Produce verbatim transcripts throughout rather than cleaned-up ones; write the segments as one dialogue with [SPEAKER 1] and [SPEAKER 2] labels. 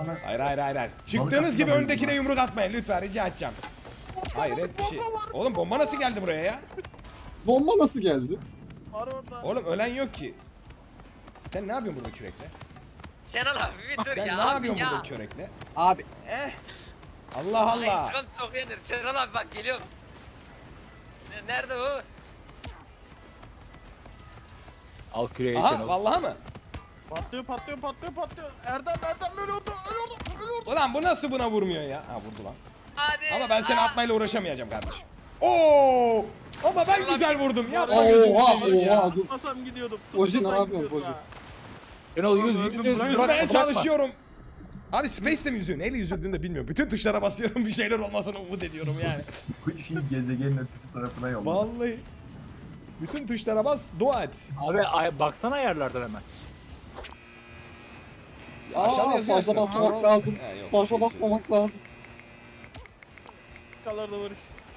[SPEAKER 1] bana.
[SPEAKER 2] Hayır hayır hayır. hayır. Çıktığınız gibi
[SPEAKER 1] atlamayın
[SPEAKER 2] öndekine
[SPEAKER 1] bana.
[SPEAKER 2] yumruk atmayın lütfen rica edeceğim. Hayır et bir şey. Oğlum bomba nasıl geldi buraya ya?
[SPEAKER 3] Bomba nasıl geldi?
[SPEAKER 4] Var orada.
[SPEAKER 2] Oğlum ölen yok ki. Sen ne yapıyorsun burada kürekle?
[SPEAKER 5] Şenol abi bir dur
[SPEAKER 2] Sen
[SPEAKER 5] ya
[SPEAKER 2] ne
[SPEAKER 5] abi
[SPEAKER 2] yapıyorsun
[SPEAKER 5] ya.
[SPEAKER 2] burada kürekle?
[SPEAKER 3] Abi
[SPEAKER 2] Eh. Allah
[SPEAKER 5] Ay,
[SPEAKER 2] Allah.
[SPEAKER 5] intikam çok yenir. Şenol abi bak geliyorum. Ne- Nerede o?
[SPEAKER 6] Al küreği
[SPEAKER 2] Aha
[SPEAKER 6] Şenol.
[SPEAKER 2] vallahi mı?
[SPEAKER 4] Patlıyor patlıyor patlıyor patlıyor. Erdem Erdem ölüyordu ölüyordu ölüyordu.
[SPEAKER 2] Ulan bu nasıl buna vurmuyor ya? Ha vurdu lan.
[SPEAKER 5] Hadi.
[SPEAKER 2] Ama ben seni
[SPEAKER 5] Aa,
[SPEAKER 2] atmayla uğraşamayacağım kardeşim. Oo! Ama ben güzel vurdum. Yapma
[SPEAKER 4] Oha,
[SPEAKER 2] gözünü
[SPEAKER 3] oha,
[SPEAKER 2] seveyim ya.
[SPEAKER 3] oha. dur.
[SPEAKER 4] Tutmasam gidiyordum.
[SPEAKER 3] Oji, ne
[SPEAKER 4] tutmasam
[SPEAKER 3] yapıyorsun,
[SPEAKER 4] gidiyordum
[SPEAKER 3] Oji?
[SPEAKER 4] ha.
[SPEAKER 6] Şenol yüz
[SPEAKER 4] Öldüm,
[SPEAKER 6] yüz yüz.
[SPEAKER 4] bırak.
[SPEAKER 2] Yüzmeye
[SPEAKER 6] Bırakma.
[SPEAKER 2] çalışıyorum. Abi Space'de mi yüzüyor? Neyle yüzüldüğünü de bilmiyorum. Bütün tuşlara basıyorum bir şeyler olmasını umut ediyorum yani.
[SPEAKER 1] Bu şey gezegenin ötesi tarafına yolladı.
[SPEAKER 2] Vallahi. Bütün tuşlara bas, dua et.
[SPEAKER 6] Abi ay, baksana ayarlardan hemen.
[SPEAKER 2] Aşağıda
[SPEAKER 3] Aa,
[SPEAKER 2] yazıyor
[SPEAKER 3] fazla
[SPEAKER 2] aslında.
[SPEAKER 3] basmamak lazım.
[SPEAKER 2] Ha, yok,
[SPEAKER 3] Fazla
[SPEAKER 2] şey
[SPEAKER 3] basmamak lazım.
[SPEAKER 4] Kallarda varış.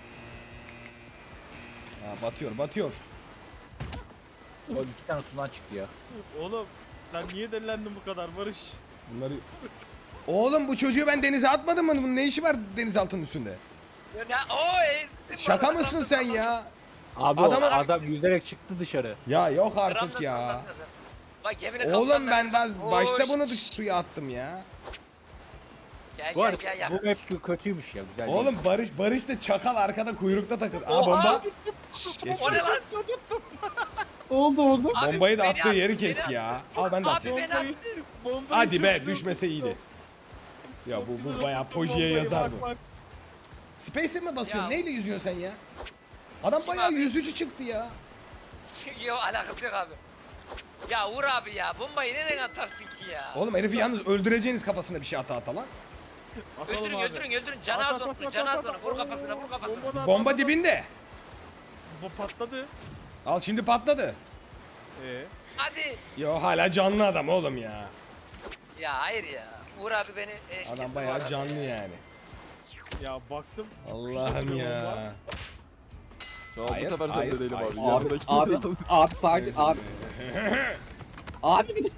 [SPEAKER 2] Ha, batıyor, batıyor.
[SPEAKER 6] O iki tane sudan çıktı ya.
[SPEAKER 4] Oğlum sen niye delilendin bu kadar Barış?
[SPEAKER 2] Bunları... Oğlum bu çocuğu ben denize atmadım mı? Bunun ne işi var denizaltının üstünde?
[SPEAKER 5] Ne? Oo, ey,
[SPEAKER 2] Şaka mısın sen ya?
[SPEAKER 6] Abi
[SPEAKER 2] Adam-
[SPEAKER 6] o adam yüzerek çıktı dışarı.
[SPEAKER 2] Ya yok artık
[SPEAKER 5] Kramda
[SPEAKER 2] ya.
[SPEAKER 5] sallandı. Bak yemin
[SPEAKER 2] Oğlum ben daha
[SPEAKER 5] Oo,
[SPEAKER 2] başta bunu
[SPEAKER 5] şşş.
[SPEAKER 2] dış suya attım ya.
[SPEAKER 5] Gel
[SPEAKER 6] Bu
[SPEAKER 5] gel
[SPEAKER 6] arada
[SPEAKER 5] gel
[SPEAKER 6] bu
[SPEAKER 5] yaklaş.
[SPEAKER 6] map kötüymüş ya güzel değil.
[SPEAKER 2] Oğlum Barış Barış da çakal arkada kuyrukta takıl. Aa
[SPEAKER 5] Oha!
[SPEAKER 2] bomba.
[SPEAKER 5] Şşş,
[SPEAKER 2] Geçmiş
[SPEAKER 5] o ne lan?
[SPEAKER 3] Ne oldu orada?
[SPEAKER 5] Abi,
[SPEAKER 2] Bombayı da
[SPEAKER 5] beni
[SPEAKER 2] attığı
[SPEAKER 5] attı,
[SPEAKER 2] yeri
[SPEAKER 5] beni
[SPEAKER 2] kes
[SPEAKER 5] attı.
[SPEAKER 2] ya. Al ben de
[SPEAKER 5] Abi
[SPEAKER 2] atayım.
[SPEAKER 5] beni attı.
[SPEAKER 4] Bombayı
[SPEAKER 2] Hadi
[SPEAKER 4] çok
[SPEAKER 2] be
[SPEAKER 4] güzel
[SPEAKER 2] düşmese
[SPEAKER 4] tuttum.
[SPEAKER 2] iyiydi. Ya
[SPEAKER 4] Çok
[SPEAKER 2] bu
[SPEAKER 4] güzel
[SPEAKER 2] bu bayağı
[SPEAKER 4] tuttum
[SPEAKER 2] pojiye
[SPEAKER 4] bombayı,
[SPEAKER 2] yazar
[SPEAKER 4] bak,
[SPEAKER 2] bu.
[SPEAKER 4] bak.
[SPEAKER 2] Space'e mi basıyorsun?
[SPEAKER 5] Ya.
[SPEAKER 2] Neyle yüzüyorsun sen ya? Adam
[SPEAKER 5] Kim
[SPEAKER 2] bayağı
[SPEAKER 5] abi?
[SPEAKER 2] yüzücü çıktı ya.
[SPEAKER 5] Yok alakası yok abi. Ya Uğur abi ya bombayı nereden atarsın ki ya?
[SPEAKER 2] Oğlum herifi yalnız öldüreceğiniz kafasına bir şey ata ata lan.
[SPEAKER 4] Atalım
[SPEAKER 5] Öldürün
[SPEAKER 4] abi.
[SPEAKER 5] öldürün öldürün. Canı
[SPEAKER 4] At,
[SPEAKER 5] az
[SPEAKER 4] at,
[SPEAKER 5] olsun.
[SPEAKER 4] at,
[SPEAKER 5] Canı
[SPEAKER 4] at,
[SPEAKER 5] az
[SPEAKER 4] at,
[SPEAKER 5] olsun. Vur
[SPEAKER 4] at.
[SPEAKER 5] kafasına vur kafasına.
[SPEAKER 4] Bomba da-
[SPEAKER 2] Bomba
[SPEAKER 4] at, at,
[SPEAKER 2] dibinde.
[SPEAKER 4] Bu patladı.
[SPEAKER 2] Al şimdi patladı.
[SPEAKER 4] Ee,
[SPEAKER 5] Hadi.
[SPEAKER 2] Yo hala canlı adam oğlum ya.
[SPEAKER 5] Ya hayır ya. Uğur abi beni eş
[SPEAKER 2] Adam
[SPEAKER 5] kesti bu
[SPEAKER 2] bayağı
[SPEAKER 5] arada.
[SPEAKER 2] canlı yani.
[SPEAKER 4] ya baktım.
[SPEAKER 2] Allah'ım ya.
[SPEAKER 7] Ya bu
[SPEAKER 2] Hayır,
[SPEAKER 7] sefer
[SPEAKER 2] hayır,
[SPEAKER 7] sen de değilim
[SPEAKER 2] hayır.
[SPEAKER 7] abi.
[SPEAKER 3] Abi,
[SPEAKER 7] Yanındaki
[SPEAKER 3] abi, abi sakin, abi. Abi bir de...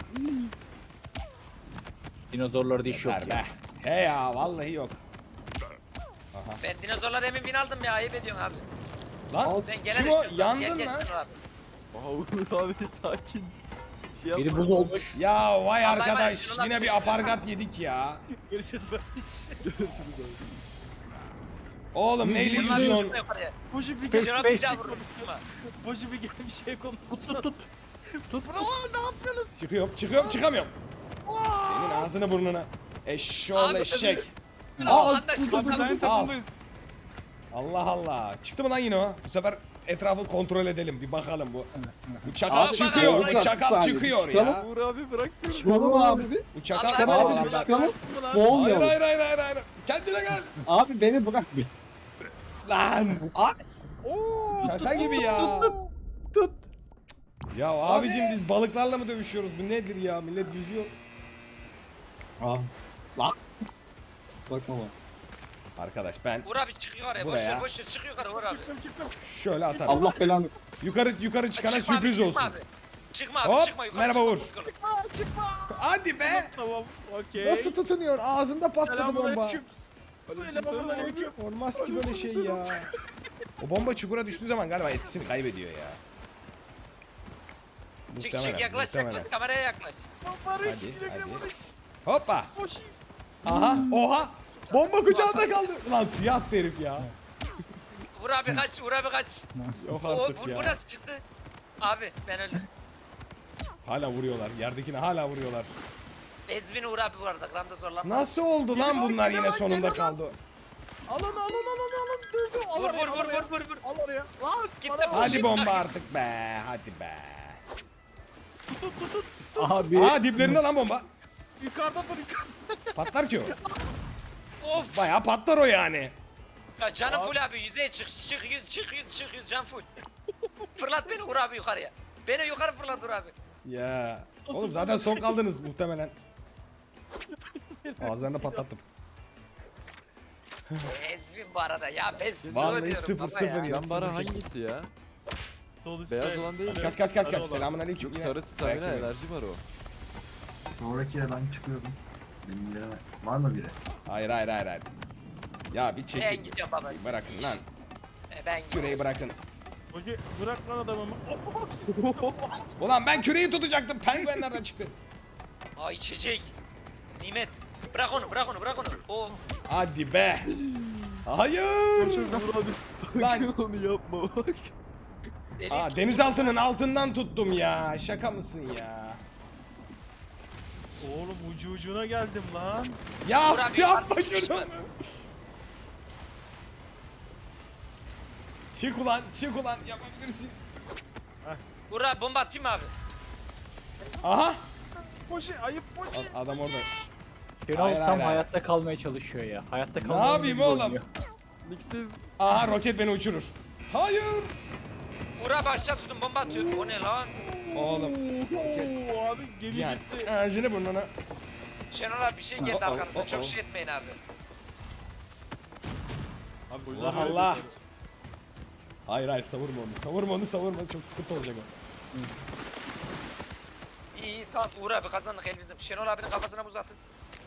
[SPEAKER 6] Dinozorlarda iş yok
[SPEAKER 2] Yeter
[SPEAKER 6] ya.
[SPEAKER 2] be. He ya vallahi yok.
[SPEAKER 5] Ben dinozorla demin bin aldım ya ayıp ediyorsun abi.
[SPEAKER 2] Lan
[SPEAKER 5] Sen gene
[SPEAKER 2] kim
[SPEAKER 5] de
[SPEAKER 2] o?
[SPEAKER 5] istiyorsun.
[SPEAKER 2] Yandın
[SPEAKER 5] Gel, gel,
[SPEAKER 2] lan.
[SPEAKER 5] Şenol abi.
[SPEAKER 7] Aha Uğur abi sakin. Bir şey
[SPEAKER 6] Biri
[SPEAKER 7] yapma.
[SPEAKER 6] buz olmuş.
[SPEAKER 2] Ya vay
[SPEAKER 5] Vallahi
[SPEAKER 2] arkadaş
[SPEAKER 5] var ya, şuradan
[SPEAKER 2] yine bir
[SPEAKER 5] düştü.
[SPEAKER 2] apargat yedik ya.
[SPEAKER 4] Görüşürüz Barış.
[SPEAKER 7] Görüşürüz abi.
[SPEAKER 2] Oğlum neyle
[SPEAKER 5] Şenol abi
[SPEAKER 2] yüzüyorsun?
[SPEAKER 5] çıkma yukarıya.
[SPEAKER 4] Boşu bir
[SPEAKER 6] Space,
[SPEAKER 5] Şenol
[SPEAKER 4] gel.
[SPEAKER 5] abi bir daha
[SPEAKER 6] space.
[SPEAKER 5] vurur. Çıkma.
[SPEAKER 4] Boşu bir gel bir şey konu. Tut tut tut. Tut. Bravo ne yapıyorsunuz?
[SPEAKER 2] Çıkıyorum çıkıyorum çıkamıyorum. Senin ağzını burnuna. Eşşoğlu
[SPEAKER 5] Abi,
[SPEAKER 2] eşek.
[SPEAKER 3] Aa,
[SPEAKER 5] Anda
[SPEAKER 3] dur,
[SPEAKER 5] çıkma.
[SPEAKER 3] dur, dur, dur.
[SPEAKER 2] Al. Allah Allah. Çıktı mı lan yine o? Bu sefer etrafı kontrol edelim bir bakalım bu. Bu çakal
[SPEAKER 5] Abi,
[SPEAKER 2] çıkıyor.
[SPEAKER 5] bakalım.
[SPEAKER 2] Bu çakal
[SPEAKER 3] Saniye,
[SPEAKER 2] çıkıyor
[SPEAKER 3] çıkalım.
[SPEAKER 2] ya.
[SPEAKER 7] Uğur abi bırak beni.
[SPEAKER 3] Çıkalım abi bir.
[SPEAKER 2] Bu çakal
[SPEAKER 5] Abi,
[SPEAKER 3] Abi
[SPEAKER 5] Abi,
[SPEAKER 3] bir çıkalım.
[SPEAKER 4] Mı lan?
[SPEAKER 2] Hayır
[SPEAKER 3] Boğulmayalım.
[SPEAKER 2] hayır hayır hayır hayır. Kendine gel.
[SPEAKER 3] Abi beni bırak bir.
[SPEAKER 2] Lan.
[SPEAKER 3] Abi.
[SPEAKER 4] Oo.
[SPEAKER 2] Şaka gibi ya.
[SPEAKER 3] Tut.
[SPEAKER 2] Ya abicim biz balıklarla mı dövüşüyoruz? Bu nedir ya? Millet yüzüyor.
[SPEAKER 3] Aa. Lan. Bakma bak.
[SPEAKER 2] Arkadaş ben
[SPEAKER 5] Uğur abi çıkıyor oraya. Boş
[SPEAKER 2] Buraya.
[SPEAKER 5] ver boş ver. Çık yukarı Uğur abi.
[SPEAKER 4] Çıktım çıktım.
[SPEAKER 2] şöyle atarım.
[SPEAKER 3] Allah belanı.
[SPEAKER 2] Yukarı yukarı çıkana
[SPEAKER 5] Çıkma abi,
[SPEAKER 2] sürpriz
[SPEAKER 5] çıkma
[SPEAKER 2] olsun.
[SPEAKER 5] Abi. Çıkma abi
[SPEAKER 2] Hop,
[SPEAKER 5] çıkma yukarı.
[SPEAKER 2] merhaba
[SPEAKER 5] çıkma,
[SPEAKER 2] Uğur.
[SPEAKER 5] yukarı.
[SPEAKER 4] Çıkma çıkma.
[SPEAKER 2] Hadi be.
[SPEAKER 4] Tamam. Okey.
[SPEAKER 2] Nasıl tutunuyor? Ağzında patladı bomba.
[SPEAKER 4] Selamünaleyküm. Selamünaleyküm.
[SPEAKER 2] Olmaz ki böyle şey ya. O bomba çukura düştüğü zaman galiba etkisini kaybediyor ya.
[SPEAKER 5] Çık
[SPEAKER 2] Muhtemelen,
[SPEAKER 5] çık yaklaş
[SPEAKER 2] muhtemelen.
[SPEAKER 5] yaklaş kameraya yaklaş.
[SPEAKER 4] Barış
[SPEAKER 2] Hadi,
[SPEAKER 4] güle güle
[SPEAKER 2] hadi.
[SPEAKER 4] Barış.
[SPEAKER 2] Hoppa.
[SPEAKER 4] Boş.
[SPEAKER 2] Aha. Oha. Bomba kucağında kaldı. Lan suya attı herif ya.
[SPEAKER 5] Uğur abi kaç Uğur abi kaç.
[SPEAKER 2] Yok
[SPEAKER 5] O,
[SPEAKER 2] artık
[SPEAKER 5] bu, bu
[SPEAKER 2] ya.
[SPEAKER 5] nasıl çıktı? Abi ben öldüm.
[SPEAKER 2] Hala vuruyorlar. Yerdekine hala vuruyorlar.
[SPEAKER 5] Ezvin Uğur abi bu arada gramda zorlanma.
[SPEAKER 2] Nasıl oldu lan
[SPEAKER 4] Geliyor,
[SPEAKER 2] bunlar
[SPEAKER 4] geliyor,
[SPEAKER 2] yine sonunda
[SPEAKER 4] geliyor.
[SPEAKER 2] kaldı.
[SPEAKER 4] Alın alın alın alın. Dur dur. Al
[SPEAKER 5] Vur
[SPEAKER 4] oraya,
[SPEAKER 5] vur
[SPEAKER 4] al
[SPEAKER 5] vur
[SPEAKER 4] oraya.
[SPEAKER 5] vur vur vur.
[SPEAKER 4] Al oraya. Lan.
[SPEAKER 5] Git
[SPEAKER 4] bana
[SPEAKER 5] de
[SPEAKER 4] bak.
[SPEAKER 5] boş-
[SPEAKER 2] Hadi bomba artık be. Hadi be.
[SPEAKER 6] Abi.
[SPEAKER 2] Aa diplerinde lan bomba.
[SPEAKER 4] Yukarıda dur yukarıda.
[SPEAKER 2] Patlar ki o.
[SPEAKER 5] Of.
[SPEAKER 2] Bayağı patlar o yani.
[SPEAKER 5] Ya canım full abi yüzeye çık çık yüz çık yüz çık yüz can full. Fırlat beni Uğur abi yukarıya. Beni yukarı fırlat Uğur abi.
[SPEAKER 2] Ya. Oğlum zaten son kaldınız muhtemelen. Ağızlarını patlattım.
[SPEAKER 5] Ezvin bu arada ya pes.
[SPEAKER 2] Vallahi
[SPEAKER 5] diyorum
[SPEAKER 2] sıfır
[SPEAKER 5] baba
[SPEAKER 2] sıfır
[SPEAKER 5] ya.
[SPEAKER 2] ya.
[SPEAKER 7] Yan bara hangisi ya?
[SPEAKER 4] Sol üstte.
[SPEAKER 7] Beyaz olan değil mi?
[SPEAKER 2] Kaç kaç kaç
[SPEAKER 4] Sarı
[SPEAKER 2] kaç.
[SPEAKER 4] olan.
[SPEAKER 2] Selamünaleyküm.
[SPEAKER 7] Yok sarı stamina enerji var o.
[SPEAKER 1] Sonraki ben çıkıyorum. Benim yerime var mı biri?
[SPEAKER 2] Hayır hayır hayır hayır. Ya bir
[SPEAKER 5] Ben
[SPEAKER 2] çekin.
[SPEAKER 5] gidiyorum baba.
[SPEAKER 2] Bırakın lan.
[SPEAKER 5] E, Ben gidiyorum.
[SPEAKER 2] Küreği bırakın.
[SPEAKER 4] Hoca bırak lan adamımı.
[SPEAKER 2] Ulan ben küreği tutacaktım. Penguenlerden çıktı.
[SPEAKER 5] Aa içecek. Nimet. Bırak onu bırak onu bırak onu. O
[SPEAKER 2] Hadi be. Hayır.
[SPEAKER 7] Uğur abi sakın
[SPEAKER 2] Lan.
[SPEAKER 7] onu yapma bak.
[SPEAKER 5] deli.
[SPEAKER 2] Aa, denizaltının altından tuttum ya. Şaka mısın ya?
[SPEAKER 4] Oğlum ucu ucuna geldim lan.
[SPEAKER 2] Ya
[SPEAKER 5] Uğur abi,
[SPEAKER 2] yapma
[SPEAKER 5] artık çıkış
[SPEAKER 2] şunu.
[SPEAKER 5] var.
[SPEAKER 2] Çık ulan çık ulan yapabilirsin.
[SPEAKER 5] Uğra bomba atayım mı abi?
[SPEAKER 2] Aha.
[SPEAKER 4] Poşi ayıp poşi.
[SPEAKER 2] A- Adam orada.
[SPEAKER 6] Şenol
[SPEAKER 2] Hayır,
[SPEAKER 6] tam
[SPEAKER 2] hayır, hayır.
[SPEAKER 6] hayatta kalmaya çalışıyor ya. Hayatta
[SPEAKER 2] Ne
[SPEAKER 6] kalmaya
[SPEAKER 2] yapayım oğlum?
[SPEAKER 7] Niksiz.
[SPEAKER 2] Aha roket beni uçurur. Hayır.
[SPEAKER 5] Uğra abi aşağı tutun bomba atıyor. O ne lan?
[SPEAKER 2] Oğlum.
[SPEAKER 4] Oo, abi gemi
[SPEAKER 2] Yani
[SPEAKER 4] gitti.
[SPEAKER 2] ağacını burnuna.
[SPEAKER 5] Şenol abi bir şey geldi
[SPEAKER 2] Oh, oh,
[SPEAKER 5] arkanızdan.
[SPEAKER 2] oh,
[SPEAKER 5] Çok
[SPEAKER 2] oh.
[SPEAKER 5] şey etmeyin abi.
[SPEAKER 4] Abi bu
[SPEAKER 2] Allah
[SPEAKER 4] yüzden böyle
[SPEAKER 2] Allah.
[SPEAKER 4] bir-
[SPEAKER 2] Hayır hayır savurma onu. Savurma onu savurma. Çok sıkıntı olacak o.
[SPEAKER 5] İyi iyi tamam Uğur abi kazandık el bizim. Şenol abinin kafasına buz atın.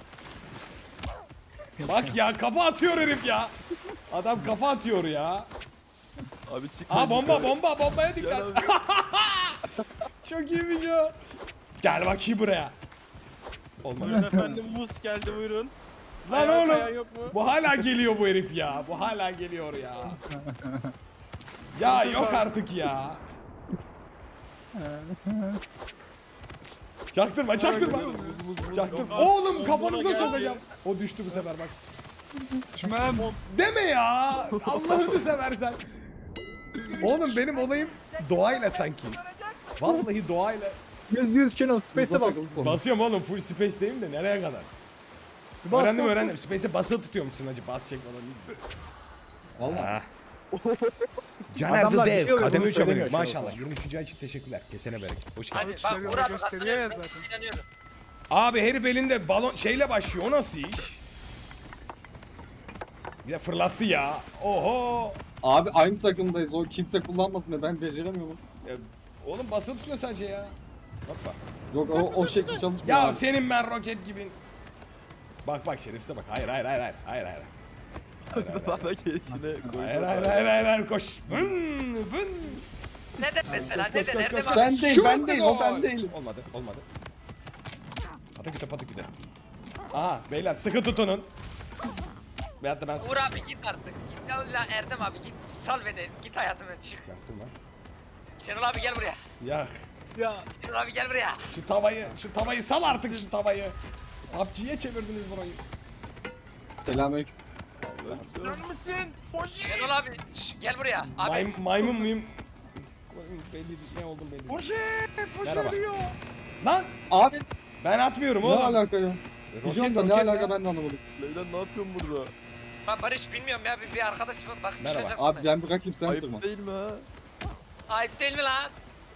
[SPEAKER 2] Bak ya kafa atıyor herif ya. Adam kafa atıyor ya.
[SPEAKER 7] Abi çık.
[SPEAKER 2] Aa bomba
[SPEAKER 7] yukarı.
[SPEAKER 2] bomba bombaya
[SPEAKER 7] Gel
[SPEAKER 2] dikkat.
[SPEAKER 7] abi.
[SPEAKER 2] Çok iyiymiş o. Gel bakayım buraya.
[SPEAKER 4] Buyurun
[SPEAKER 2] Olmadı.
[SPEAKER 4] efendim buz geldi buyurun.
[SPEAKER 2] Lan
[SPEAKER 4] Ayağı
[SPEAKER 2] oğlum.
[SPEAKER 4] kayan yok mu?
[SPEAKER 2] Bu hala geliyor bu herif ya. Bu hala geliyor ya. Ya yok artık ya. Çaktırma çaktırma.
[SPEAKER 7] Muz muz muz.
[SPEAKER 2] Çaktır.
[SPEAKER 4] Yok abi,
[SPEAKER 2] Oğlum
[SPEAKER 4] bombona
[SPEAKER 2] kafanıza
[SPEAKER 4] geldi.
[SPEAKER 2] sokacağım. O düştü bu sefer bak.
[SPEAKER 4] Çimem.
[SPEAKER 2] Deme ya. Allah'ını seversen. Oğlum benim olayım doğayla sanki. Vallahi doğayla.
[SPEAKER 6] Yüz yüz Şenol space'e bak.
[SPEAKER 2] Basıyorum oğlum full space'deyim de nereye kadar?
[SPEAKER 6] Bas,
[SPEAKER 2] öğrendim
[SPEAKER 6] bas,
[SPEAKER 2] öğrendim. Space'e basılı tutuyormuşsun hacı. Bas çek falan değil. Valla. Caner
[SPEAKER 6] Adamlar
[SPEAKER 2] the Dev.
[SPEAKER 6] biliyor ve
[SPEAKER 2] Kademe
[SPEAKER 6] bunu
[SPEAKER 2] üç abone.
[SPEAKER 6] söylemiyor şu an.
[SPEAKER 2] Maşallah. yirmi üçüncü ay için teşekkürler. Kesene bereket. Hoş geldin.
[SPEAKER 5] Hadi bak Uğur abi kazanıyor. Ben inanıyorum.
[SPEAKER 2] Abi herif elinde balon şeyle başlıyor. O nasıl iş? Bir de fırlattı ya. Oho.
[SPEAKER 3] Abi aynı takımdayız. O kimse kullanmasın da ben beceremiyorum.
[SPEAKER 2] Ya, oğlum basılı tutuyor sadece ya. Hoppa.
[SPEAKER 3] Yok o, o şekil çalışmıyor
[SPEAKER 2] Ya
[SPEAKER 3] abi.
[SPEAKER 2] senin ben roket gibi. Bak bak şerefsize bak. Hayır hayır hayır hayır. Hayır hayır.
[SPEAKER 7] Bana geçine koy.
[SPEAKER 2] Hayır hayır hayır hayır hayır koş. Vın vın.
[SPEAKER 5] Neden mesela?
[SPEAKER 2] Koş, koş,
[SPEAKER 5] Neden?
[SPEAKER 2] koş,
[SPEAKER 5] Erdem
[SPEAKER 2] koş,
[SPEAKER 5] abi?
[SPEAKER 2] koş.
[SPEAKER 3] Ben değil,
[SPEAKER 2] Şut
[SPEAKER 3] ben değil, o
[SPEAKER 2] gol.
[SPEAKER 3] ben değilim.
[SPEAKER 2] Olmadı olmadı. Pataküte pataküte. Aha beyler sıkı tutunun. Veyahut da ben sıkı
[SPEAKER 5] Uğur abi git artık. Git Allah Erdem abi git. Sal beni. Git hayatımı çık.
[SPEAKER 2] Yaktım lan.
[SPEAKER 5] Şenol abi gel buraya.
[SPEAKER 2] Yak.
[SPEAKER 4] Ya
[SPEAKER 5] Şenol abi gel buraya.
[SPEAKER 2] Şu tavayı, şu tavayı sal artık şu tavayı. P U B G'ye çevirdiniz burayı.
[SPEAKER 3] Selamünaleyküm.
[SPEAKER 4] sen misin? Poşi.
[SPEAKER 5] Şenol abi şş, gel buraya. Abi
[SPEAKER 2] May, maymun muyum? Belli değil, ne oldum belli değil.
[SPEAKER 4] Poşi. Poşi
[SPEAKER 2] Merhaba.
[SPEAKER 4] ölüyor.
[SPEAKER 2] Lan
[SPEAKER 3] Abi
[SPEAKER 2] ben atmıyorum
[SPEAKER 3] ne
[SPEAKER 2] oğlum.
[SPEAKER 3] alaka ya? Biliyorum da ne
[SPEAKER 2] roket
[SPEAKER 3] alaka
[SPEAKER 2] ya.
[SPEAKER 3] ben de anlamadım.
[SPEAKER 7] Leyla ne yapıyorsun burada?
[SPEAKER 5] bak Barış bilmiyorum ya bir, bir arkadaş bak bak
[SPEAKER 2] Merhaba.
[SPEAKER 5] çıkacak.
[SPEAKER 3] Abi ben bırakayım sen
[SPEAKER 7] Ayıp
[SPEAKER 3] tırma.
[SPEAKER 7] değil mi ha?
[SPEAKER 5] Ayıp değil mi lan?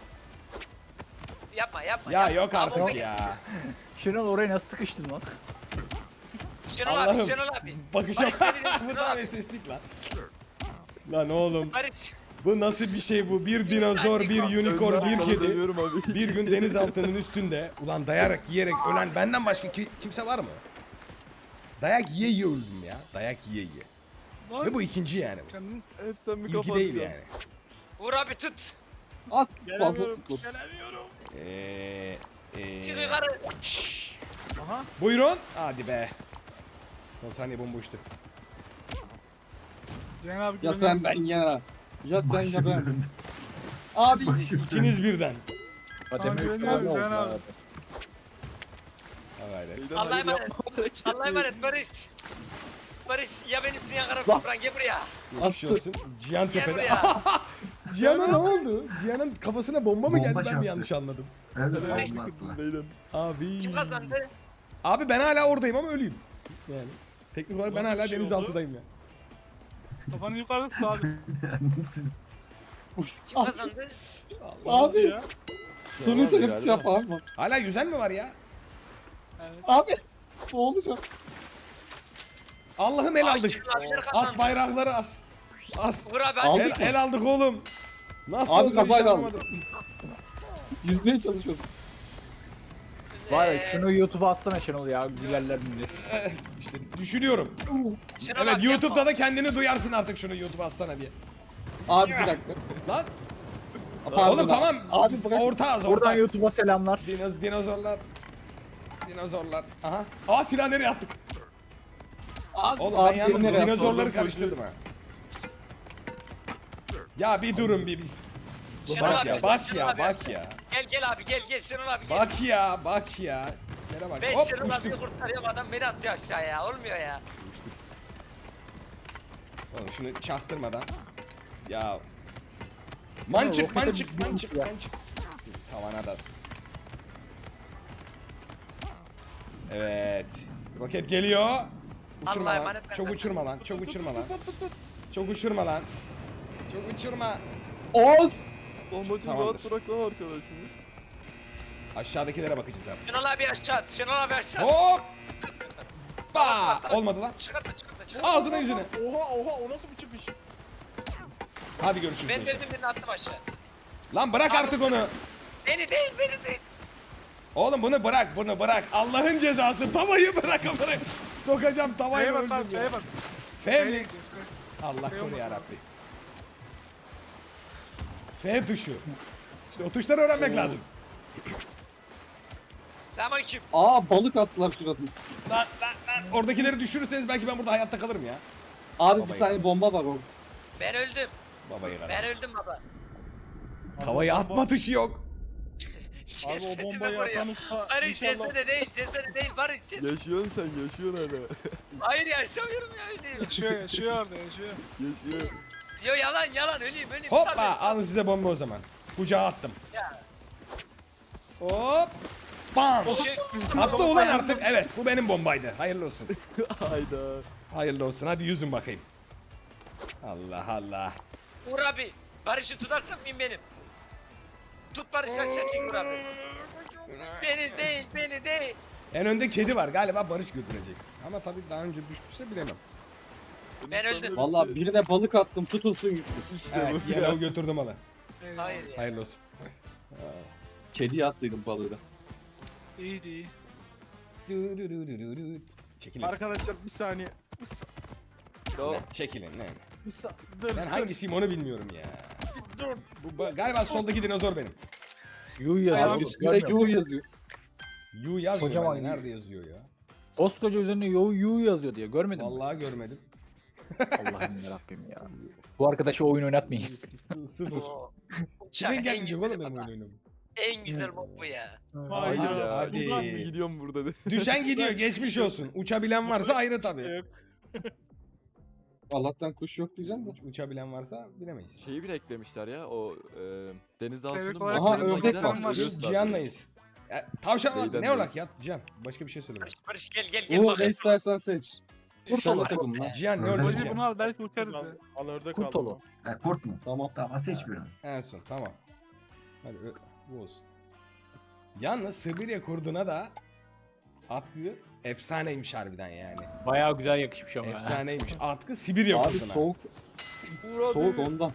[SPEAKER 5] Yapma yapma.
[SPEAKER 2] Ya
[SPEAKER 5] yapma.
[SPEAKER 2] yok
[SPEAKER 5] Abi,
[SPEAKER 2] artık
[SPEAKER 5] beni-
[SPEAKER 2] ya.
[SPEAKER 6] Şenol oraya nasıl sıkıştın lan?
[SPEAKER 5] Şenol
[SPEAKER 2] Allah'ım.
[SPEAKER 5] abi Şenol abi.
[SPEAKER 2] Bakışa
[SPEAKER 5] Barış beni dinle,
[SPEAKER 2] bu
[SPEAKER 5] Şenol
[SPEAKER 2] da
[SPEAKER 5] abi.
[SPEAKER 2] seslik lan. Lan oğlum
[SPEAKER 5] Barış.
[SPEAKER 2] bu nasıl bir şey bu? Bir dinozor, bir unicorn,
[SPEAKER 7] Önden
[SPEAKER 2] bir
[SPEAKER 7] sana
[SPEAKER 2] kedi.
[SPEAKER 7] dönüyorum abi.
[SPEAKER 2] Bir gün denizaltının üstünde ulan dayarak yiyerek ölen benden başka ki- kimse var mı? Dayak yiye yiye öldüm ya. Dayak yiye yiye. Ve bu ikinci yani. bu.
[SPEAKER 4] Kendin
[SPEAKER 7] Hep sen mi
[SPEAKER 2] İlki
[SPEAKER 7] kafa
[SPEAKER 2] değil
[SPEAKER 7] atıyorsun?
[SPEAKER 2] yani.
[SPEAKER 5] Uğur abi tut.
[SPEAKER 3] Az fazla
[SPEAKER 4] gelemiyorum.
[SPEAKER 3] sıkıldım.
[SPEAKER 4] Gelemiyorum.
[SPEAKER 2] Eee... Eee...
[SPEAKER 5] Çık yukarı.
[SPEAKER 4] Aha.
[SPEAKER 2] Buyurun. Hadi be. Son saniye bomboştu.
[SPEAKER 4] Cenab abi
[SPEAKER 3] Ya sen ben ya. Ya sen ya ben.
[SPEAKER 1] Başım
[SPEAKER 3] Abi
[SPEAKER 1] Başım
[SPEAKER 2] İkiniz birden.
[SPEAKER 6] Kademe
[SPEAKER 4] Abi,
[SPEAKER 6] üç
[SPEAKER 4] Şenol
[SPEAKER 6] abone
[SPEAKER 4] abi,
[SPEAKER 6] oldu
[SPEAKER 4] Şenol abi.
[SPEAKER 6] abi.
[SPEAKER 2] Ha gayret.
[SPEAKER 7] Leyla,
[SPEAKER 5] Allah'a
[SPEAKER 7] hayır,
[SPEAKER 5] emanet.
[SPEAKER 7] yapma hareketi.
[SPEAKER 5] Allah'a emanet Barış. Barış ya benimsin ya kara toprağın gel buraya.
[SPEAKER 2] Geçmiş
[SPEAKER 3] Attı.
[SPEAKER 2] olsun. Cihan
[SPEAKER 5] Gel
[SPEAKER 2] tepede.
[SPEAKER 5] buraya.
[SPEAKER 2] Cihan'a ne oldu? Cihan'ın kafasına bomba mı
[SPEAKER 1] Bomba
[SPEAKER 2] geldi ben
[SPEAKER 1] çarptı.
[SPEAKER 2] mi yanlış anladım?
[SPEAKER 1] Ben de
[SPEAKER 5] Barış-
[SPEAKER 1] bomba attılar.
[SPEAKER 7] Leyla.
[SPEAKER 2] Abi.
[SPEAKER 5] Kim kazandı?
[SPEAKER 2] Abi ben hala oradayım ama ölüyüm. Yani. Teknik olarak ben
[SPEAKER 4] Nasıl bir
[SPEAKER 2] hala
[SPEAKER 4] şey
[SPEAKER 2] denizaltıdayım ya.
[SPEAKER 4] Kafanı yukarı tut abi.
[SPEAKER 1] Siz
[SPEAKER 5] Kim kazandı?
[SPEAKER 3] abi
[SPEAKER 4] ya.
[SPEAKER 3] suni teneffüs yap abi.
[SPEAKER 2] Hala yüzen mi var ya?
[SPEAKER 3] Abi boğulacağım.
[SPEAKER 2] Allah'ım el
[SPEAKER 5] Aa,
[SPEAKER 2] aldık.
[SPEAKER 5] Şenol abiler
[SPEAKER 2] As
[SPEAKER 5] kazandı.
[SPEAKER 2] bayrakları as. As.
[SPEAKER 5] Uğur abi
[SPEAKER 3] Aldık
[SPEAKER 5] hadi.
[SPEAKER 2] El, el aldık oğlum. Nasıl
[SPEAKER 3] Abi
[SPEAKER 2] oldu hiç
[SPEAKER 3] kazayla
[SPEAKER 2] anlamadım.
[SPEAKER 3] Yüzmeye çalışıyorum.
[SPEAKER 6] Var ya
[SPEAKER 5] Ee,
[SPEAKER 6] şunu YouTube'a atsana Şenol ya. Gülerler millet.
[SPEAKER 2] İşte düşünüyorum.
[SPEAKER 5] Şenol
[SPEAKER 2] Evet
[SPEAKER 5] abi
[SPEAKER 2] YouTube'da
[SPEAKER 5] yapma.
[SPEAKER 2] da kendini duyarsın artık şunu YouTube'a atsana diye.
[SPEAKER 3] Abi bir dakika.
[SPEAKER 2] Lan
[SPEAKER 3] Pardon
[SPEAKER 2] oğlum
[SPEAKER 3] abi.
[SPEAKER 2] tamam.
[SPEAKER 3] Abi
[SPEAKER 2] Biz
[SPEAKER 3] bırak.
[SPEAKER 2] ortağız
[SPEAKER 6] Buradan
[SPEAKER 2] ortak.
[SPEAKER 6] YouTube'a selamlar.
[SPEAKER 2] Dinoz, dinozorlar. Dinozorlar. Aha. Aa silah nereye attık?
[SPEAKER 3] Abi,
[SPEAKER 2] Oğlum ben
[SPEAKER 3] abi
[SPEAKER 2] yalnız
[SPEAKER 3] nereye attın?
[SPEAKER 2] dinozorları karıştırdım ha. Ya bir durun bir biz.
[SPEAKER 5] Şenol
[SPEAKER 2] Bak
[SPEAKER 5] abi,
[SPEAKER 2] ya bak
[SPEAKER 5] Şenol
[SPEAKER 2] ya
[SPEAKER 5] abi,
[SPEAKER 2] bak ya.
[SPEAKER 5] Gel gel abi gel gel Şenol abi gel.
[SPEAKER 2] Bak ya bak ya. Yere bak.
[SPEAKER 5] Ben
[SPEAKER 2] Hop
[SPEAKER 5] Şenol abiyi
[SPEAKER 2] uçtuk.
[SPEAKER 5] kurtarıyorum adam beni atıyor aşağıya olmuyor ya.
[SPEAKER 2] Oğlum şunu çaktırmadan. Ya. Mançık
[SPEAKER 6] rokete
[SPEAKER 2] mançık
[SPEAKER 6] bir-
[SPEAKER 2] mançık
[SPEAKER 6] ya.
[SPEAKER 2] mançık. Tavana da. Evet. Roket geliyor. Uçurma
[SPEAKER 5] Allah'a
[SPEAKER 2] lan.
[SPEAKER 5] emanet ver,
[SPEAKER 2] Çok
[SPEAKER 5] ver.
[SPEAKER 2] uçurma lan. Çok uçurma lan. Çok uçurma lan. Çok uçurma.
[SPEAKER 3] Of!
[SPEAKER 7] Bombacı
[SPEAKER 2] Tamamdır.
[SPEAKER 7] rahat bırak lan arkadaşını.
[SPEAKER 2] Aşağıdakilere bakacağız abi.
[SPEAKER 5] Şenol abi aşağı at Şenol abi aşağı at.
[SPEAKER 2] Hop! Ba!
[SPEAKER 5] Tamam, tamam.
[SPEAKER 2] Olmadı lan.
[SPEAKER 5] Çıkartma çıkartma çıkartma.
[SPEAKER 2] Ağzına yüzüne.
[SPEAKER 4] Oha oha o nasıl bir çıkış?
[SPEAKER 2] Hadi görüşürüz.
[SPEAKER 5] Ben
[SPEAKER 2] gençler.
[SPEAKER 5] dedim birini attım aşağı.
[SPEAKER 2] Lan bırak artık onu.
[SPEAKER 5] Beni değil beni değil.
[SPEAKER 2] Oğlum bunu bırak bunu bırak. Allah'ın cezası. Tavayı bırak bırak. Sokacağım tavayı
[SPEAKER 4] F'ye bas abi
[SPEAKER 2] öldüm ya.
[SPEAKER 4] F'ye bas.
[SPEAKER 2] F mi?
[SPEAKER 4] F'ye
[SPEAKER 2] Allah
[SPEAKER 4] F
[SPEAKER 2] koru
[SPEAKER 4] olmasın
[SPEAKER 2] yarabbi. F tuşu. İşte o tuşları öğrenmek lazım.
[SPEAKER 5] Selamünaleyküm.
[SPEAKER 3] Aa balık attılar suratıma.
[SPEAKER 2] Lan lan lan. Oradakileri düşürürseniz belki ben burada hayatta kalırım ya.
[SPEAKER 3] Abi
[SPEAKER 2] Babayı.
[SPEAKER 3] bir saniye bomba var orada.
[SPEAKER 5] Ben öldüm.
[SPEAKER 2] Babayı kadar.
[SPEAKER 5] Ben öldüm baba.
[SPEAKER 2] Tavayı atma tuşu yok.
[SPEAKER 4] Abi o
[SPEAKER 5] Cesedimi
[SPEAKER 4] bombayı
[SPEAKER 5] buraya.
[SPEAKER 4] atan usta
[SPEAKER 5] Barış
[SPEAKER 4] inşallah.
[SPEAKER 5] cesede değil cesede değil Barış cesede.
[SPEAKER 7] Yaşıyorsun sen yaşıyorsun hala.
[SPEAKER 5] Hayır yaşamıyorum ya öleyim.
[SPEAKER 4] Yaşıyor yaşıyor orada yaşıyor.
[SPEAKER 7] Yaşıyor.
[SPEAKER 5] Yo yalan yalan öleyim öleyim.
[SPEAKER 2] Hoppa
[SPEAKER 5] Sal beni, sal.
[SPEAKER 2] alın size bomba o zaman. Kucağa attım.
[SPEAKER 5] Ya.
[SPEAKER 2] Hop. Bam.
[SPEAKER 5] Şey,
[SPEAKER 2] Attı ulan artık. Evet bu benim bombaydı. Hayırlı olsun.
[SPEAKER 7] Hayda.
[SPEAKER 2] Hayırlı olsun. Hadi yüzün bakayım. Allah Allah.
[SPEAKER 5] Uğur abi. Barış'ı tutarsan mıyım benim? Tut Barış aşağı çek Uğur abi. Beni değil beni değil.
[SPEAKER 2] En önde kedi var. Galiba Barış götürecek. Ama tabii daha önce düşmüşse bilemem.
[SPEAKER 5] Ben öldüm.
[SPEAKER 3] Valla birine balık attım tutulsun gitsin.
[SPEAKER 7] İşte
[SPEAKER 2] Evet
[SPEAKER 7] bu
[SPEAKER 2] yine
[SPEAKER 7] ya.
[SPEAKER 2] o götürdü malı.
[SPEAKER 5] Hayır ya.
[SPEAKER 2] Hayırlı olsun.
[SPEAKER 3] Kediye attıydım balığı da.
[SPEAKER 4] İyiydi iyi.
[SPEAKER 2] Çekilin.
[SPEAKER 4] Arkadaşlar bir saniye. Bir, sa-
[SPEAKER 7] Ya,
[SPEAKER 2] Çekilin. Ne?
[SPEAKER 4] bir sa- dur,
[SPEAKER 2] Ben
[SPEAKER 4] dur,
[SPEAKER 2] hangisiyim onu bilmiyorum ya.
[SPEAKER 4] Dur.
[SPEAKER 2] Bu ba- galiba soldaki dinozor benim.
[SPEAKER 6] Yuh yazıyor.
[SPEAKER 3] Abi
[SPEAKER 6] oğlum,
[SPEAKER 3] üstünde
[SPEAKER 6] görmüyor musun?
[SPEAKER 3] Q yazıyor.
[SPEAKER 2] Yu yazmıyor
[SPEAKER 6] Kocaman
[SPEAKER 2] bende.
[SPEAKER 6] Yu.
[SPEAKER 2] Nerede yazıyor ya?
[SPEAKER 6] Koskoca üzerine yuh yuh yazıyor diye görmedin mi?
[SPEAKER 2] Vallahi görmedim.
[SPEAKER 6] Allah'ım yarabbim ya. Bu arkadaşı oyun oynatmayın.
[SPEAKER 2] S- Sıfır.
[SPEAKER 5] Oo. Uçak
[SPEAKER 2] Kimin
[SPEAKER 5] en
[SPEAKER 2] gelmeyecek
[SPEAKER 5] güzeli
[SPEAKER 2] oğlum benim
[SPEAKER 5] baba.
[SPEAKER 2] oyun oynamam.
[SPEAKER 5] En güzel mod bu ya.
[SPEAKER 7] hayır
[SPEAKER 2] Aha,
[SPEAKER 7] ya.
[SPEAKER 2] hadi.
[SPEAKER 7] Buradan mı gidiyorum burada de.
[SPEAKER 2] Düşen gidiyor geçmiş olsun. Uçabilen varsa ayrı tabii.
[SPEAKER 4] Yok.
[SPEAKER 3] Allah'tan kuş yok diyeceğim de.
[SPEAKER 2] Uçabilen varsa bilemeyiz.
[SPEAKER 7] Şeyi bile eklemişler ya o e, denizaltının
[SPEAKER 4] Bebek olarak
[SPEAKER 3] Aha,
[SPEAKER 7] motoruna
[SPEAKER 3] ördek
[SPEAKER 7] gidersen
[SPEAKER 3] var.
[SPEAKER 7] ölüyorsun abi.
[SPEAKER 2] Cihan'layız. Ya, tavşan var.
[SPEAKER 7] Neyden
[SPEAKER 2] Ne olarak
[SPEAKER 7] neyiz?
[SPEAKER 2] ya? Cihan. Başka bir şey söyle. bana.
[SPEAKER 5] Barış, Barış gel gel gel
[SPEAKER 3] Uğur ne
[SPEAKER 5] bakayım.
[SPEAKER 3] istersen seç.
[SPEAKER 5] Üf,
[SPEAKER 3] Sen de
[SPEAKER 5] Allah.
[SPEAKER 3] takım lan.
[SPEAKER 2] Cihan ne
[SPEAKER 1] Ördek.
[SPEAKER 2] olacak
[SPEAKER 4] Hacı bunu
[SPEAKER 2] Cihan?
[SPEAKER 4] al belki uçarız ya. Al ördek
[SPEAKER 6] Kurt
[SPEAKER 4] al.
[SPEAKER 6] oğlu.
[SPEAKER 1] Ha, kurt mu?
[SPEAKER 3] Tamam.
[SPEAKER 1] Tamam seç bir an.
[SPEAKER 2] En son tamam. Hadi ö- bu olsun. Yalnız Sibirya kurduna da atkı efsaneymiş harbiden yani.
[SPEAKER 6] Bayağı güzel yakışmış ama.
[SPEAKER 2] Efsaneymiş. Atkı Sibirya
[SPEAKER 3] Abi
[SPEAKER 2] kurduna.
[SPEAKER 3] soğuk.
[SPEAKER 7] Uğur abi.
[SPEAKER 3] Soğuk ondan.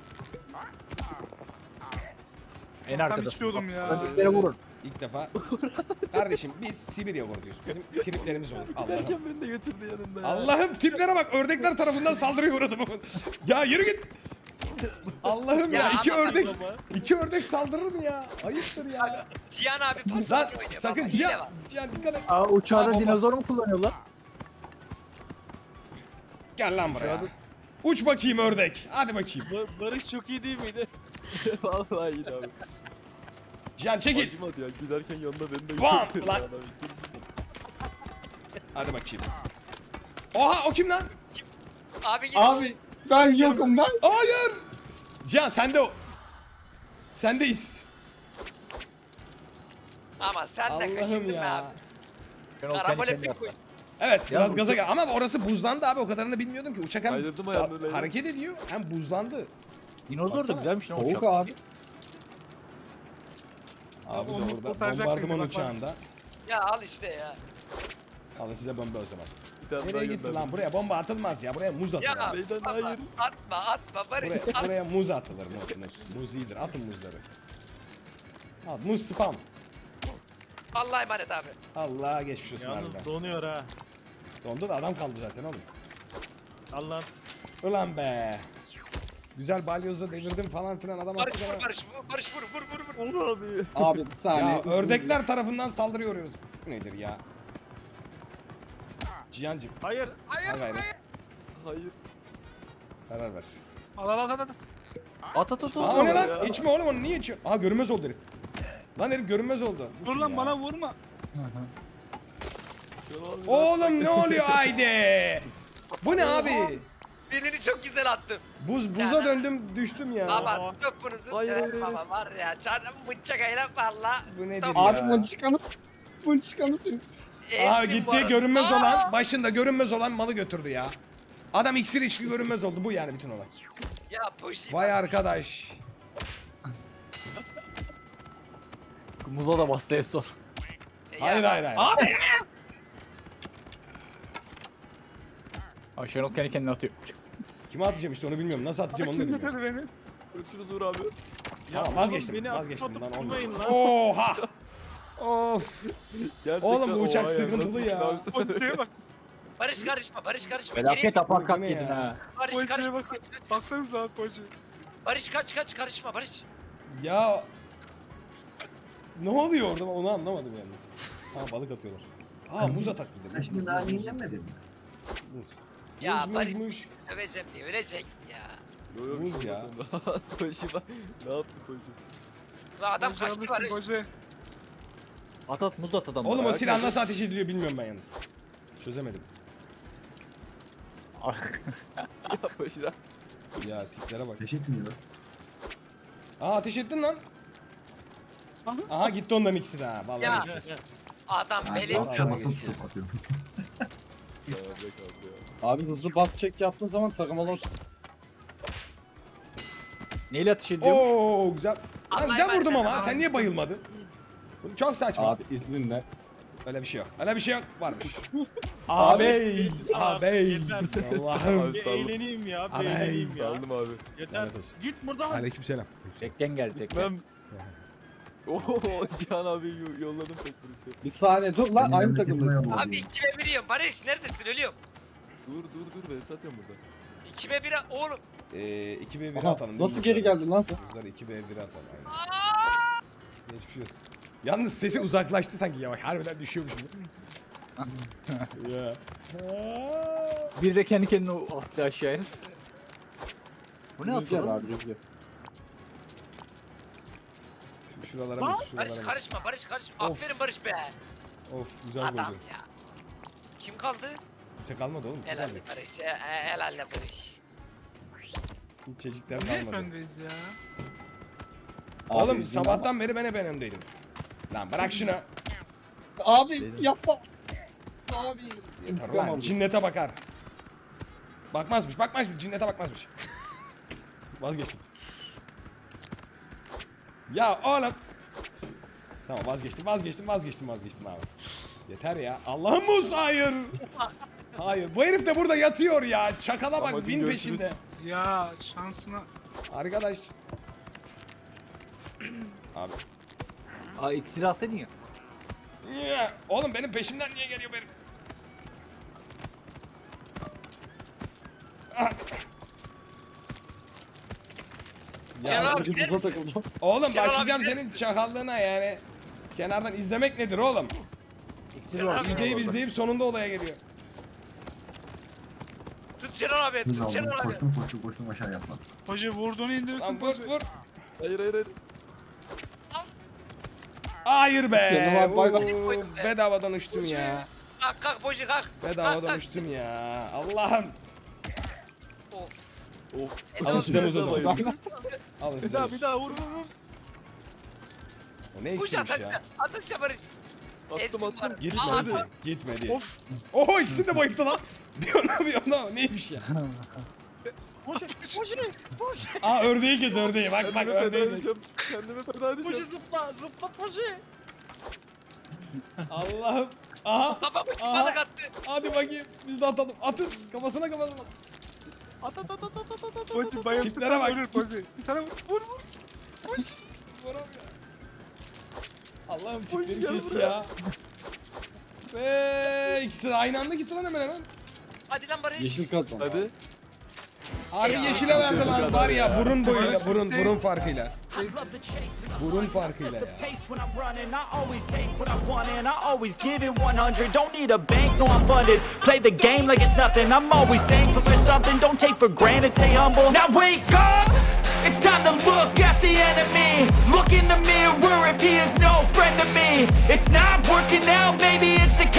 [SPEAKER 6] En
[SPEAKER 4] Ben
[SPEAKER 6] arkada.
[SPEAKER 4] içiyordum ya.
[SPEAKER 6] Ördekleri vurun.
[SPEAKER 2] İlk defa. Kardeşim biz Sibirya kurduyuz. Bizim triplerimiz olur. Allah'ım.
[SPEAKER 7] Giderken beni de götürdü yanında ya.
[SPEAKER 2] Allah'ım tiplere bak. Ördekler tarafından saldırıya uğradım. Ya yürü git. Allah'ım ya,
[SPEAKER 5] Ya
[SPEAKER 2] iki
[SPEAKER 5] ama
[SPEAKER 2] ördek
[SPEAKER 4] baba.
[SPEAKER 2] iki ördek saldırır mı ya? Ayıptır ya.
[SPEAKER 5] Cihan abi pas
[SPEAKER 2] Lan
[SPEAKER 5] oynuyor.
[SPEAKER 2] sakın
[SPEAKER 5] baba, hile
[SPEAKER 2] Cihan.
[SPEAKER 5] var.
[SPEAKER 2] Cihan dikkat et.
[SPEAKER 6] Aa uçağda
[SPEAKER 2] Aa, bomba.
[SPEAKER 6] dinozor mu kullanıyorlar?
[SPEAKER 2] Gel lan buraya. Uç bakayım ördek. Hadi bakayım.
[SPEAKER 4] Ba- Barış çok iyi değil miydi?
[SPEAKER 7] Vallahi iyi abi.
[SPEAKER 2] Cihan çekil.
[SPEAKER 7] Acımadı ya giderken yanında beni de
[SPEAKER 2] Bam!
[SPEAKER 7] götürdü.
[SPEAKER 2] Lan!
[SPEAKER 7] Adam.
[SPEAKER 2] Hadi bakayım. Oha o kim lan?
[SPEAKER 5] Abi git.
[SPEAKER 3] Abi ben yokum ben.
[SPEAKER 2] Hayır. Cihan sende o. Sendeyiz.
[SPEAKER 5] Ama sen de
[SPEAKER 2] Allah'ım
[SPEAKER 5] kaşındın be
[SPEAKER 2] ya.
[SPEAKER 5] abi.
[SPEAKER 6] Ben o kendi
[SPEAKER 5] Karambole
[SPEAKER 6] kendine
[SPEAKER 5] pek
[SPEAKER 6] yaptım.
[SPEAKER 5] koy.
[SPEAKER 2] Evet biraz
[SPEAKER 6] Ya,
[SPEAKER 2] gaza
[SPEAKER 6] uçak-
[SPEAKER 2] gel. Ama orası buzlandı abi, o kadarını bilmiyordum ki. Uçak hem
[SPEAKER 7] Kaydırdım ayağını
[SPEAKER 2] ha-
[SPEAKER 7] Leyla.
[SPEAKER 2] hareket ediyor hem buzlandı.
[SPEAKER 6] Dinozor da
[SPEAKER 2] Baksana.
[SPEAKER 6] güzelmiş lan
[SPEAKER 3] Soğuk
[SPEAKER 6] uçak.
[SPEAKER 3] abi.
[SPEAKER 2] Abi de
[SPEAKER 4] Onu
[SPEAKER 2] orada
[SPEAKER 4] kurtaracak
[SPEAKER 2] bombardıman
[SPEAKER 4] mıydı? Bak, bak.
[SPEAKER 2] uçağında.
[SPEAKER 5] Ya al işte ya.
[SPEAKER 2] Alın size bomba o zaman.
[SPEAKER 7] Bir tane daha
[SPEAKER 2] Nereye gitti
[SPEAKER 7] gönderdim.
[SPEAKER 2] lan? Buraya bomba atılmaz ya. Buraya muz atılır.
[SPEAKER 5] Ya
[SPEAKER 7] Neyden
[SPEAKER 5] atma,
[SPEAKER 7] hayır?
[SPEAKER 5] atma atma Barış
[SPEAKER 2] Buraya,
[SPEAKER 5] at.
[SPEAKER 2] buraya muz atılır. Muz, muz. Muz iyidir. Atın muzları. Al muz spam.
[SPEAKER 5] Allah'a emanet abi.
[SPEAKER 2] Allah geçmiş olsun harbiden.
[SPEAKER 4] Yalnız donuyor ha.
[SPEAKER 2] Dondu da adam kaldı zaten oğlum.
[SPEAKER 4] Allah'ın.
[SPEAKER 2] Ulan be. Güzel balyozla devirdim falan filan adam attı
[SPEAKER 5] Barış
[SPEAKER 2] bana.
[SPEAKER 5] vur Barış vur Barış vur vur vur vur.
[SPEAKER 7] Onur abi.
[SPEAKER 3] Abi bir saniye.
[SPEAKER 2] Ya
[SPEAKER 3] hızlı
[SPEAKER 2] ördekler tarafından saldırıyoruz. Bu nedir ya? Cihancım
[SPEAKER 4] Hayır. Hayır.
[SPEAKER 2] al gayrı.
[SPEAKER 7] Hayır.
[SPEAKER 2] Karar ver.
[SPEAKER 4] Al al al al.
[SPEAKER 6] At at at.
[SPEAKER 2] Aa o ne lan?
[SPEAKER 7] Ya.
[SPEAKER 2] İçme oğlum onu niye içiyorsun? Aa görünmez oldu herif. Lan herif görünmez oldu. Bu
[SPEAKER 4] Dur
[SPEAKER 2] kim
[SPEAKER 4] lan
[SPEAKER 2] ya?
[SPEAKER 4] bana vurma.
[SPEAKER 2] Oğlum ne oluyor haydi? Bu ne abi?
[SPEAKER 5] Birini çok güzel attım.
[SPEAKER 2] Buz buza döndüm düştüm ya.
[SPEAKER 5] Baba topunuzu
[SPEAKER 7] Hayır, hayır,
[SPEAKER 5] evet,
[SPEAKER 7] hayır.
[SPEAKER 5] baba var ya canım bıçak eyle valla.
[SPEAKER 2] Bu nedir
[SPEAKER 5] Top-
[SPEAKER 2] ya?
[SPEAKER 3] Abi mınçıkanız. Mınçıkanısın.
[SPEAKER 2] Aa
[SPEAKER 5] Ezdim bu
[SPEAKER 2] gitti
[SPEAKER 5] arada.
[SPEAKER 2] görünmez
[SPEAKER 5] Aa!
[SPEAKER 2] olan başında görünmez olan malı götürdü ya. Adam iksir içki görünmez oldu bu yani bütün olay.
[SPEAKER 5] Ya push.
[SPEAKER 2] Vay arkadaş.
[SPEAKER 6] Muzo da bastı en son.
[SPEAKER 2] Hayır hayır hayır.
[SPEAKER 6] Abi. Ay Şenol kendi kendine atıyor.
[SPEAKER 2] Kime atacağım işte onu bilmiyorum. Nasıl atacağım onu da bilmiyorum.
[SPEAKER 4] beni?
[SPEAKER 7] Görüşürüz Uğur abi.
[SPEAKER 2] Tamam
[SPEAKER 4] oğlum,
[SPEAKER 2] vazgeçtim.
[SPEAKER 4] beni
[SPEAKER 2] Vazgeçtim
[SPEAKER 4] atıp
[SPEAKER 2] lan
[SPEAKER 4] atıp
[SPEAKER 2] olmadı.
[SPEAKER 4] durmayın lan.
[SPEAKER 2] Oha. Of.
[SPEAKER 7] Gerçekten
[SPEAKER 2] Oğlum bu uçak
[SPEAKER 7] oha
[SPEAKER 2] sıkıntılı
[SPEAKER 7] nasıl
[SPEAKER 2] ya.
[SPEAKER 7] abi sen?
[SPEAKER 4] Pozisyona bak.
[SPEAKER 5] Barış karışma Barış karışma.
[SPEAKER 6] Felaket
[SPEAKER 5] Geri
[SPEAKER 6] apar
[SPEAKER 2] Bu
[SPEAKER 6] kat
[SPEAKER 2] ne
[SPEAKER 6] yedin
[SPEAKER 2] ya?
[SPEAKER 6] ha.
[SPEAKER 5] Barış
[SPEAKER 4] Pozisyona
[SPEAKER 5] karışma.
[SPEAKER 4] bak. Baksanıza abi pozisyona.
[SPEAKER 5] Barış kaç kaç karışma Barış.
[SPEAKER 2] Ya. Ne oluyor orada onu anlamadım yalnız. Ha balık atıyorlar. Aa muz atak bize.
[SPEAKER 1] Sen şimdi daha yenilenmedin mi?
[SPEAKER 2] Muz.
[SPEAKER 5] Ya
[SPEAKER 2] Muz,
[SPEAKER 5] Barış
[SPEAKER 2] muz, muz.
[SPEAKER 5] döveceğim diye ölecek ya.
[SPEAKER 7] Yo yo bir
[SPEAKER 2] Muz
[SPEAKER 7] şey
[SPEAKER 2] ya.
[SPEAKER 7] olmasın. Başıma. Ne yaptı koşu?
[SPEAKER 5] Ve adam kaçtı Barış.
[SPEAKER 4] Pozisyona.
[SPEAKER 6] At at muz at adamlara.
[SPEAKER 2] Oğlum o
[SPEAKER 6] ya.
[SPEAKER 2] silah nasıl ateş ediliyor bilmiyorum ben yalnız. Çözemedim.
[SPEAKER 7] Ya başına.
[SPEAKER 2] Ya tiplere bak.
[SPEAKER 1] Ateş etmiyor.
[SPEAKER 2] Aa ateş ettin lan. Aha gitti onların ikisi de ha. Vallahi
[SPEAKER 5] Ya.
[SPEAKER 2] geçmiş olsun.
[SPEAKER 5] Adam
[SPEAKER 1] Ben
[SPEAKER 5] beli.
[SPEAKER 2] Vallahi
[SPEAKER 1] salça basıp
[SPEAKER 2] geçmiş
[SPEAKER 1] tutup atıyorum.
[SPEAKER 7] Ya be kaldı ya.
[SPEAKER 3] Abi hızlı bas çek yaptığın zaman taramalı
[SPEAKER 6] Neyle atış ediyor?
[SPEAKER 2] Oo güzel. Lan
[SPEAKER 5] Allah'a
[SPEAKER 2] güzel
[SPEAKER 5] emanet
[SPEAKER 2] vurdum
[SPEAKER 5] olun.
[SPEAKER 2] ama sen niye bayılmadın? Bu çok saçma.
[SPEAKER 3] Abi izninle.
[SPEAKER 2] Öyle bir şey yok. Öyle bir şey yok. Varmış.
[SPEAKER 3] Abi.
[SPEAKER 2] Ağabey. Ağabey.
[SPEAKER 4] Yeter.
[SPEAKER 2] Allah'ım.
[SPEAKER 7] Abi
[SPEAKER 4] Bir
[SPEAKER 7] saldım.
[SPEAKER 4] eğleneyim ya. Bir
[SPEAKER 2] Abi,
[SPEAKER 4] eğleneyim ya.
[SPEAKER 7] Saldım abi.
[SPEAKER 4] Yeter.
[SPEAKER 2] Lanet olsun.
[SPEAKER 4] Git buradan.
[SPEAKER 2] Aleykümselam.
[SPEAKER 6] Tekken geldi tekken.
[SPEAKER 7] Ben... Oho Cihan abi yo- yolladım pek vuruşu.
[SPEAKER 3] Bir saniye dur lan
[SPEAKER 1] Benim
[SPEAKER 3] aynı
[SPEAKER 1] memleketim
[SPEAKER 3] takımdayız.
[SPEAKER 1] Mayalı
[SPEAKER 5] Abi
[SPEAKER 1] oluyor.
[SPEAKER 5] ikime bir yiyorum. Barış neredesin ölüyorum.
[SPEAKER 7] Dur dur dur ben satıyorum burada.
[SPEAKER 5] İkime bir oğlum.
[SPEAKER 2] Ee, iki ve bir
[SPEAKER 3] Aha,
[SPEAKER 2] atalım. değil
[SPEAKER 3] nasıl
[SPEAKER 2] mi?
[SPEAKER 3] geri geldin lan sen?
[SPEAKER 2] Güzel iki ve bir atalım. Aynen. Geçmiş olsun. Yalnız sesi uzaklaştı sanki yavaş. Harbiden düşüyormuş gibi. Ya.
[SPEAKER 6] Bir de kendi kendine attı aşağıya. Bu ne
[SPEAKER 3] Rüzgar
[SPEAKER 6] atıyor lan?
[SPEAKER 3] abi rüzgar.
[SPEAKER 2] Şuralara
[SPEAKER 4] Aa,
[SPEAKER 2] bak,
[SPEAKER 5] Barış
[SPEAKER 2] şuralara bak.
[SPEAKER 5] karışma Barış karışma.
[SPEAKER 2] Of.
[SPEAKER 5] Aferin Barış be.
[SPEAKER 2] Of güzel
[SPEAKER 5] Adam
[SPEAKER 2] oldu.
[SPEAKER 5] ya. Kim kaldı?
[SPEAKER 2] Kimse kalmadı oğlum.
[SPEAKER 5] Helal
[SPEAKER 2] Güzeldi.
[SPEAKER 5] Barış. e- e- Helal Barış.
[SPEAKER 2] Çocuklar
[SPEAKER 4] Niye
[SPEAKER 2] kalmadı.
[SPEAKER 4] öndeyiz ya?
[SPEAKER 3] Abi
[SPEAKER 2] Oğlum
[SPEAKER 3] izin
[SPEAKER 2] sabahtan beri ben hep en öndeydim. Lan bırak şunu.
[SPEAKER 3] ama- Abi yapma. Abi.
[SPEAKER 2] Yeter
[SPEAKER 3] İntikam
[SPEAKER 2] lan.
[SPEAKER 3] aldım.
[SPEAKER 2] Cinnete bakar. Bakmazmış bakmazmış. Cinnete bakmazmış. Vazgeçtim. Ya oğlum. Tamam vazgeçtim vazgeçtim vazgeçtim vazgeçtim abi. Yeter ya. Allah'ım Muz hayır. Hayır. Bu herif de burada yatıyor ya. Çakala bak
[SPEAKER 7] Ama
[SPEAKER 2] bin
[SPEAKER 7] görüşürüz.
[SPEAKER 2] peşinde.
[SPEAKER 4] Ya şansına.
[SPEAKER 2] Arkadaş. Abi.
[SPEAKER 6] Aa iksiri alsaydın ya.
[SPEAKER 2] Ya, oğlum benim peşimden niye geliyor benim? Ah.
[SPEAKER 5] Celal
[SPEAKER 2] Ya,
[SPEAKER 5] abi gider
[SPEAKER 3] Rüzgar
[SPEAKER 5] misin?
[SPEAKER 3] takıldı.
[SPEAKER 2] oğlum
[SPEAKER 5] Şenol abi
[SPEAKER 2] başlayacağım
[SPEAKER 5] gider
[SPEAKER 2] senin
[SPEAKER 5] misin?
[SPEAKER 2] çakallığına yani. Kenardan izlemek nedir oğlum?
[SPEAKER 6] İksiri var.
[SPEAKER 2] İzleyip izleyip sonunda olaya geliyor.
[SPEAKER 5] Tut Şenol abi
[SPEAKER 1] Hız
[SPEAKER 5] tut
[SPEAKER 1] aldım.
[SPEAKER 5] Şenol abi.
[SPEAKER 1] Koştum koştum koştum aşağı yaptım.
[SPEAKER 4] Hoca vurduğunu indirirsin.
[SPEAKER 2] Lan vur
[SPEAKER 4] Hoca.
[SPEAKER 2] vur.
[SPEAKER 7] Hayır hayır hayır.
[SPEAKER 2] Hayır be.
[SPEAKER 3] Şenol abi, bay bay.
[SPEAKER 2] Oo, bedavadan uçtum ya.
[SPEAKER 5] Kalk kalk Boji kalk. Kalk
[SPEAKER 2] Bedavadan
[SPEAKER 5] kalk.
[SPEAKER 2] uçtum ya. Allah'ım.
[SPEAKER 5] Of.
[SPEAKER 7] Of.
[SPEAKER 2] Alın size muz o
[SPEAKER 7] Bayıldım.
[SPEAKER 2] zaman. Alın
[SPEAKER 4] Bir
[SPEAKER 2] size
[SPEAKER 4] daha
[SPEAKER 2] muz.
[SPEAKER 4] bir daha vur vur vur.
[SPEAKER 2] O ne
[SPEAKER 5] Boji
[SPEAKER 2] eksiymiş
[SPEAKER 5] atak.
[SPEAKER 2] ya.
[SPEAKER 5] Atış Barış.
[SPEAKER 7] Attım
[SPEAKER 5] Ezdim
[SPEAKER 7] attım.
[SPEAKER 5] var.
[SPEAKER 2] Gitmedi.
[SPEAKER 5] Aa,
[SPEAKER 2] Gitmedi.
[SPEAKER 4] Of.
[SPEAKER 2] Oho ikisi de bayıldı lan. Bir ona bir ona neymiş ya.
[SPEAKER 4] Hoca. Hoca ne? Hoca.
[SPEAKER 2] Aa ördeği kez ördeği bak bak
[SPEAKER 7] Kendime feda
[SPEAKER 2] ördeği kez.
[SPEAKER 7] edeceğim. Kendime feda
[SPEAKER 4] Hoca
[SPEAKER 7] edeceğim.
[SPEAKER 4] zıpla zıpla hoca.
[SPEAKER 2] Allah'ım. Aha.
[SPEAKER 5] Kafamı
[SPEAKER 2] Aha.
[SPEAKER 5] balık attı.
[SPEAKER 2] Hadi bakayım. Biz de atalım. Atın. Kafasına kafasına.
[SPEAKER 4] At at at at at at at. Hoca bayıldı.
[SPEAKER 2] Tiplere bak.
[SPEAKER 4] Ölür hoca. Bir tane vur vur vur.
[SPEAKER 2] Vuramıyor. Allah'ım tipleri kes ya. Ve ikisi de aynı anda gitti lan hemen hemen.
[SPEAKER 5] Hadi lan Barış.
[SPEAKER 3] Yeşil kazan.
[SPEAKER 7] Hadi.
[SPEAKER 2] Harbi yeşile verdi lan var ya burun boyuyla burun burun farkıyla. Burun farkıyla ya.
[SPEAKER 8] When I'm running, I always take what I want and I always give it one hundred. Don't need a bank, no I'm funded. Play the game like it's nothing. I'm always thankful for something. Don't take for granted, stay humble. Now wake up! It's time to look at the enemy. Look in the mirror if he is no friend to me. It's not working out, maybe it's the